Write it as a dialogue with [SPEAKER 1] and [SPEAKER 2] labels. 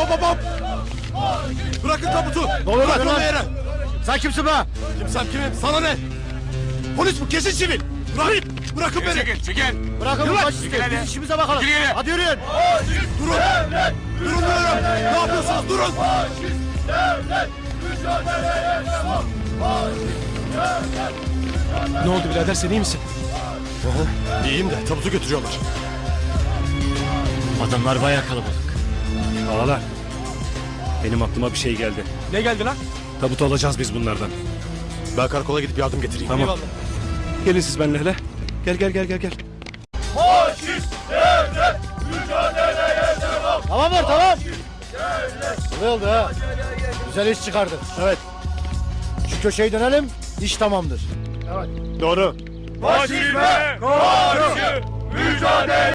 [SPEAKER 1] hop hop! Bırakın tabutu!
[SPEAKER 2] Ne oluyor
[SPEAKER 1] Bırak
[SPEAKER 2] lan?
[SPEAKER 1] onu yere!
[SPEAKER 2] Sen kimsin be?
[SPEAKER 1] Kimsem kimim? Sana ne? Polis bu, kesin sivil! Bırakın beni!
[SPEAKER 3] Çekil.
[SPEAKER 2] Bırakın
[SPEAKER 1] Yürü
[SPEAKER 2] bu
[SPEAKER 1] lan.
[SPEAKER 2] faşisti. Biz işimize bakalım.
[SPEAKER 3] Yürü, yürü.
[SPEAKER 2] Hadi yürüyün.
[SPEAKER 1] Durun! Durun diyorum! Ne yapıyorsunuz? Durun!
[SPEAKER 4] Ne oldu birader, sen iyi misin?
[SPEAKER 1] İyiyim de tabutu götürüyorlar.
[SPEAKER 2] Adamlar bayağı kalabalık.
[SPEAKER 4] Ağalar. Benim aklıma bir şey geldi.
[SPEAKER 3] Ne geldi lan?
[SPEAKER 4] Tabutu alacağız biz bunlardan.
[SPEAKER 1] Ben karakola gidip yardım getireyim.
[SPEAKER 4] Tamam. Gelin siz benimle hele. Gel.
[SPEAKER 2] Tamamdır tamam. Ne oldu ha? Güzel iş çıkardın. Evet. Şu köşeyi dönelim. İş tamamdır.
[SPEAKER 1] Doğru.
[SPEAKER 3] Faşizme karşı mücadele!